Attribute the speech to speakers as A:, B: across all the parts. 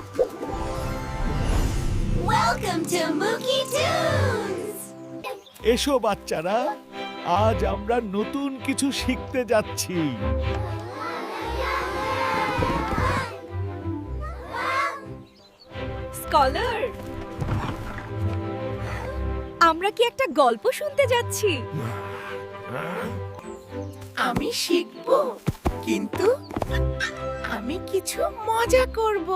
A: Welcome to Mookie Tunes!
B: এসো বাচ্চারা, আজ আমরা নতুন কিছু শিখতে যাচ্ছি।
C: স্কলার, আমরা কি একটা গল্প শুনতে যাচ্ছি?
D: আমি শিখব, কিন্তু আমি কিছু মজা করব।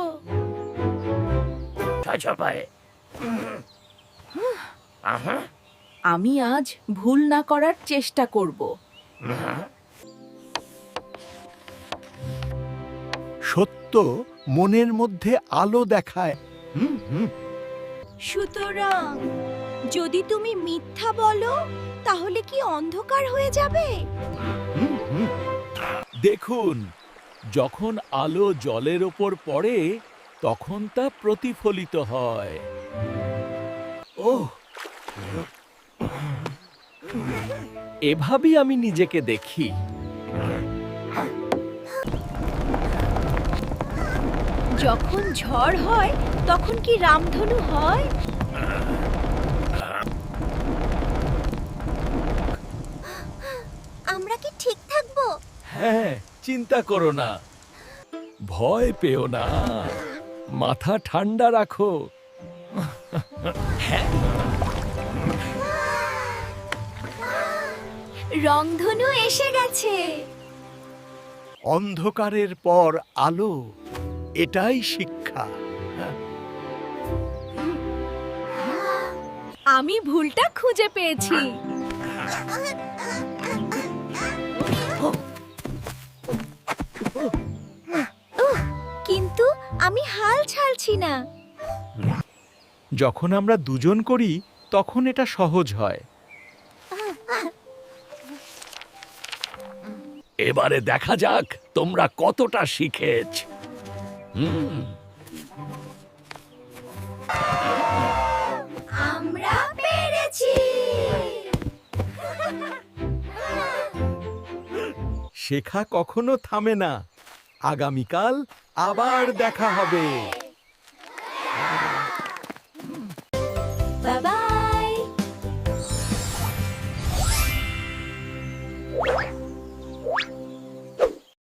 D: আমি আজ ভুল না করার চেষ্টা করব।
B: সত্য মনের মধ্যে আলো দেখায়।
C: সুতরাং যদি তুমি মিথ্যা বলো তাহলে কি অন্ধকার হয়ে যাবে?
B: দেখুন, যখন আলো জলের ওপর পড়ে তখন তা প্রতিফলিত হয়। ওহ, এভাবেই আমি নিজেকে দেখি।
C: যখন ঝড় হয় তখন কি রামধনু হয়?
A: আমরা কি ঠিক থাকবো?
B: হ্যাঁ, চিন্তা করো না, ভয় পেও না, মাথা ঠান্ডা রাখো।
C: রংধনু এসে গেছে।
B: অন্ধকারের পর আলো, এটাই শিক্ষা।
C: আমি ভুলটা খুঁজে পেয়েছি। কিন্তু আমি হাল ছাড়ছি না।
B: যখন আমরা দুজন করি তখন এটা সহজ হয়। এবারে দেখা যাক তোমরা কতটা শিখেছ।
A: আমরা পেরেছি!
B: শেখা কখনো থামে না। আগামীকাল আবার দেখা হবে।
A: Bye-bye!